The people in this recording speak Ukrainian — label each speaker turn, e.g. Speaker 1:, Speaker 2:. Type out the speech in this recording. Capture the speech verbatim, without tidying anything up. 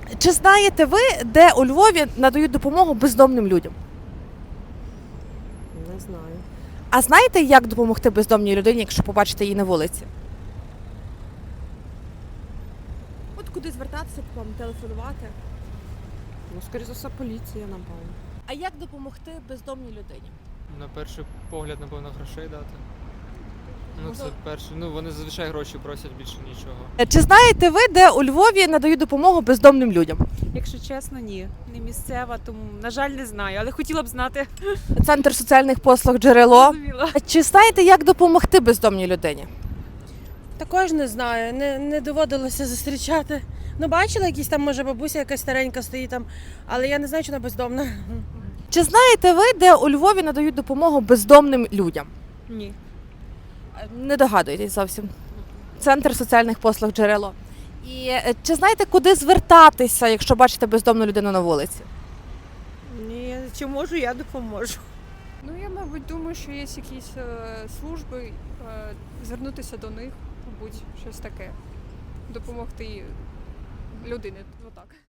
Speaker 1: Чи знаєте ви, де у Львові надають допомогу бездомним людям?
Speaker 2: Не знаю.
Speaker 1: А знаєте, як допомогти бездомній людині, якщо побачите її на вулиці? От куди звертатися, вам телефонувати?
Speaker 2: Ну, скоріше за все, поліція, напевно.
Speaker 1: А як допомогти бездомній людині?
Speaker 3: На перший погляд, напевно, грошей дати. Ну, це
Speaker 1: Ну,
Speaker 3: перше. Ну, вони зазвичай гроші просять, більше нічого.
Speaker 1: Чи знаєте ви, де у Львові надають допомогу бездомним людям?
Speaker 4: Якщо чесно, ні. Не місцева, тому, на жаль, не знаю, але хотіла б знати.
Speaker 1: Центр соціальних послуг «Джерело».
Speaker 4: Зрозуміло.
Speaker 1: Чи знаєте, як допомогти бездомній людині?
Speaker 5: Також не знаю, не, не доводилося зустрічати. Ну, бачила, якісь там, може, бабуся якась старенька стоїть там, але я не знаю, чи вона бездомна.
Speaker 1: Чи знаєте ви, де у Львові надають допомогу бездомним людям?
Speaker 4: Ні.
Speaker 1: Не догадуєтесь зовсім. Центр соціальних послуг «Джерело». І е, чи знаєте, куди звертатися, якщо бачите бездомну людину на вулиці?
Speaker 4: Ні, чи можу, я допоможу.
Speaker 6: Ну, я, мабуть, думаю, що є якісь е, служби, е, звернутися до них, мабуть, щось таке. Допомогти людині, отак.